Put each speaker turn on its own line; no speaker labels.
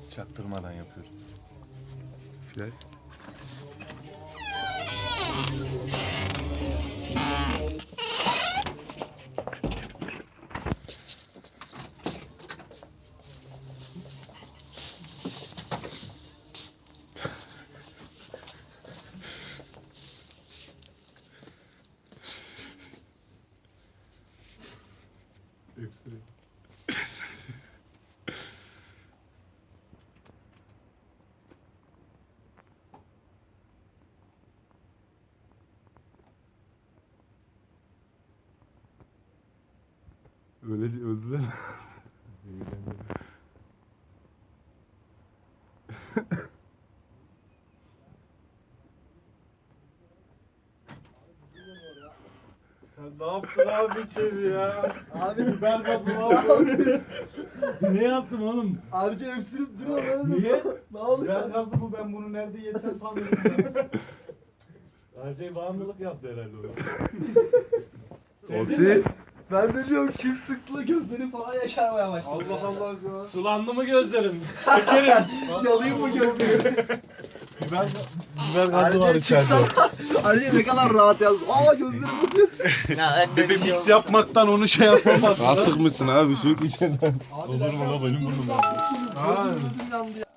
Çaktırmadan yapıyoruz.
Flash.
Hepsi.
Öyle öldüler.
Sen ne yaptın abi içeri ya?
Abi
Biber gazı ne yaptın?
Ne yaptım oğlum?
harca öksürüp duruyor lan.
Niye?
Ne oluyor?
Biber gazı bu, ben bunu nerede yesem tanıyorum ya.
Her şey bağımlılık yaptı herhalde o.
Ortaya.
Ben de diyorum kim sıktı gözleri falan yaşarmaya başladı.
Allah Allah ya.
Sulandı mı gözlerin? Şekerim.
Yalayayım mı gözleri?
Biber gazı var içeride.
Harca ne kadar rahat yazdı. Aa gözlerim basıyor.
Bir de mix yapmaktan onu şey yapamadım.
Asık mısın abi şu içinden?
Abi
Olur mu la, benim burnum
Gözüm yandı ya.